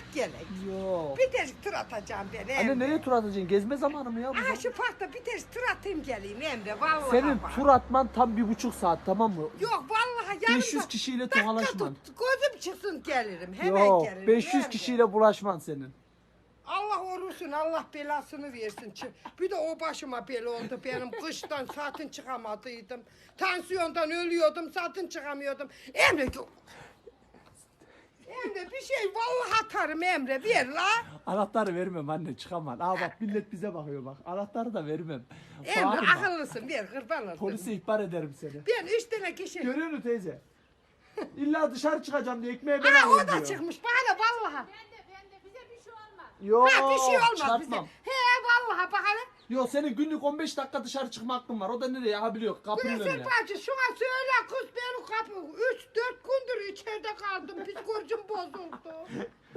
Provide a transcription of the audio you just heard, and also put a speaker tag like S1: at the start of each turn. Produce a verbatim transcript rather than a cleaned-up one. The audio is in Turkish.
S1: gelek.
S2: Yok.
S1: Bir de tur atacağım ben Emre.
S2: Anne nereye tur atacaksın? Gezme zamanı mı ya bu?
S1: Aha şu parkta bir de tur atayım geleyim Emre vallahi.
S2: Senin
S1: bak.
S2: tur atman tam bir buçuk saat, tamam mı?
S1: Yok vallahi yarın
S2: beş yüz
S1: bak,
S2: kişiyle
S1: dakika
S2: tokalaşman.
S1: tut, gözüm çıksın gelirim. Hemen
S2: Yok,
S1: gelirim.
S2: beş yüz
S1: Emre.
S2: kişiyle bulaşman senin.
S1: Allah orusun, Allah belasını versin. Çı- Bir de o başıma bela oldu benim. Kıştan zaten çıkamadıydım. Tansiyondan ölüyordum, zaten çıkamıyordum. Emre, Emre bir şey vallahi atarım Emre, ver la.
S2: Anahtarı vermem anne, çıkamam. Aa bak millet bize bakıyor bak. Anahtarı da vermem.
S1: Emre
S2: Bağırma.
S1: akıllısın, ver kurban olayım.
S2: Polise ihbar ederim seni.
S1: Ben üç tane kişi.
S2: Görüyor musun teyze? İlla dışarı çıkacağım diye ekmeğe ben
S1: Aa
S2: alayım
S1: o da
S2: diyor.
S1: çıkmış bana vallahi.
S3: Ben de ben de bize bir şey olmaz.
S2: Yok,
S1: Ha bir şey olmaz bize.
S2: çarpmam.
S1: He vallahi bak hele.
S2: Yok senin günlük on beş dakika dışarı çıkma hakkın var. O da nereye? Ha biliyor kapının
S1: Güneşin
S2: önüne.
S1: bacı şuna söyle kız benim kapı. Üç dört gündür içeride kaldım. Psikolojim bozuldu.